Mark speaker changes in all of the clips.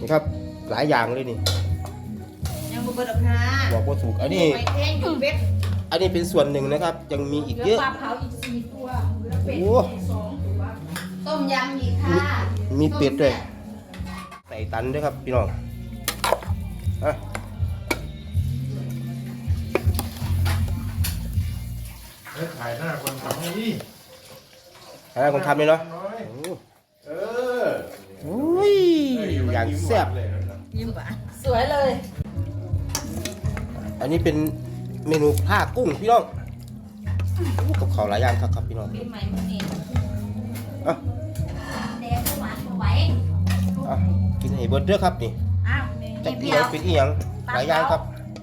Speaker 1: นี่ครับหลายอย่างเลยนี่
Speaker 2: ยังบุบดอกค่ะ
Speaker 1: บอกว่าถูกอันนี้อันนี้เป็นส่วนหนึ่งนะครับยังมีอีกเยอะ
Speaker 3: ปลาเผาอีก4 ตัวแล้วเป็ดอีก2 ตัว
Speaker 2: ต้มยำอีกค่ะ
Speaker 1: มีเป็ดด้วยใส่ตันด้วยครับพี่น้อง
Speaker 4: ถ่ายหน้าคนทำนี่
Speaker 1: ถ่ายหน้าคนทำเลยเนาะโอ้ยอย่างแซ่บ
Speaker 2: ยิ้มปะสวยเลย
Speaker 1: อันนี้เป็นเมนูผ้ากุ้งพี่น้องกับข้าวหลายอย่างครับพี่น้อง
Speaker 2: ปีใหม่มื้อนี้แดงหวานบ่ไหว
Speaker 1: กินให้เบิร์ดเด้อครับนี่จะกินอะไรเป็นอีหยังหลายอย่างครับ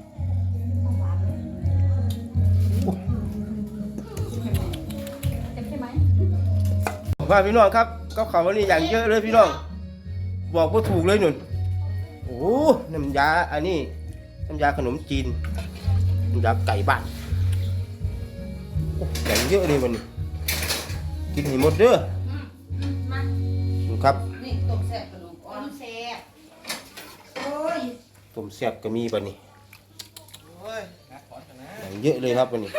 Speaker 1: ว่าพี่น้องครับกับข้าววันนี้อย่างเยอะเลยพี่น้องบอกว่าถูกเลยหนุนโอ้น้ำยาอันนี้น้ำยาขนมจีนน้ำยาไก่บ้านอย่างเยอะเลยมันกินให้หมดเด้อครับ
Speaker 2: นี่ต้มแซ่บขนมอ่อนแซ่บโอ้ย
Speaker 1: ต้มแซ่บก็มีป่ะนี่อย่างเยอะเลยครับวันนี้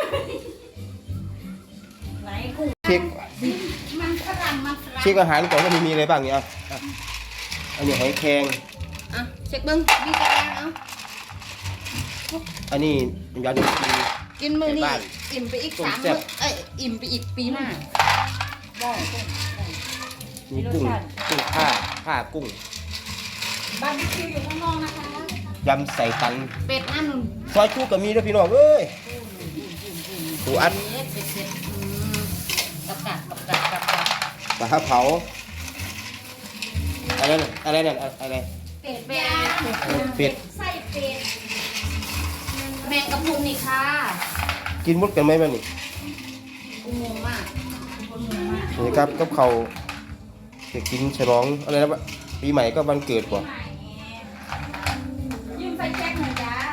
Speaker 2: ไหนกุ้ง
Speaker 1: เช็ค
Speaker 2: มันฝรั่งมันฝรั่ง
Speaker 1: เช็คอาหารก่อนว่ามีอะไรบ้างเนี่ยอันนี้หอยแครง
Speaker 2: เช็คเบิ้งมีกระดาษ
Speaker 1: อันนี้ยาดม
Speaker 2: กินมื้อนี้อิ่มไปอีก3 มื้ออิ่มไปอีกปีหน้าได้
Speaker 1: มีกุ้งผ้ากุ้ง
Speaker 3: บาร์บีคิวอยู่ข้างนอกนะคะ
Speaker 1: ยำใส่ตัน
Speaker 2: เป็ดอันนึง
Speaker 1: ซอยชูก็มีด้วยพี่น้องเอ้ยปูอัด
Speaker 2: เป็ดกับ
Speaker 1: ปลาเผาอะไรนั่นอะไรเป็ด
Speaker 3: ไส้เป็ด
Speaker 2: แมงกะพรุนนี่ค่ะ
Speaker 1: กินหมดกันไหมบ้างนี่
Speaker 2: งงมาก
Speaker 1: นี่ครับกับเขาจะกินฉลองอะไรนะปีใหม่ก็วันเกิดกว่า
Speaker 3: ยืมไฟแช็กหน่อยจ้า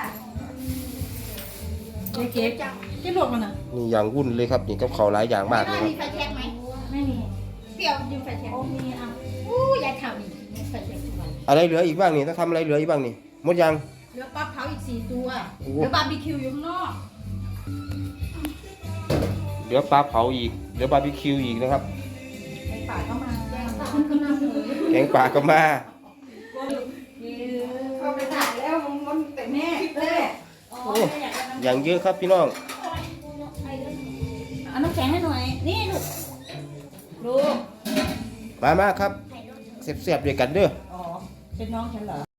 Speaker 3: เก๊จังที่หลดมันอ่ะ
Speaker 1: นี่อย่างวุ่นเลยครับนี่กับเขาหลายอย่างมากเลยครับ
Speaker 2: มีไฟแช็กไหม
Speaker 3: ไม่มีเปรี้ยวยืมไฟแช็กโอ้มีอ่ะยายทำอีกไฟแช็กทุกวัน
Speaker 1: อะไรเหลืออีกบ้างนี่ต้องทำอะไรเหลืออีกบ้างนี่หมดยัง
Speaker 3: เหลือปลาเผาอีก4 ตัวเหลือบาร์บีคิวอยู่ข้างนอก
Speaker 1: เหลือปลาเผาอีกเหลือบาร์บีคิวอีกนะครับ
Speaker 3: ป่าก็มา
Speaker 1: แกงป่าก็มา
Speaker 3: เข้าไปถ่ายแล้วมันแต่แม่
Speaker 1: โอ้อย่างเยอะครับพี่น้อง
Speaker 3: เอาน้ำแข็งให้หน่อยนี่ลูก
Speaker 1: มาครับเสียบๆด้วยกันเด้อ
Speaker 3: อ๋อเป็นน้องฉันเหรอ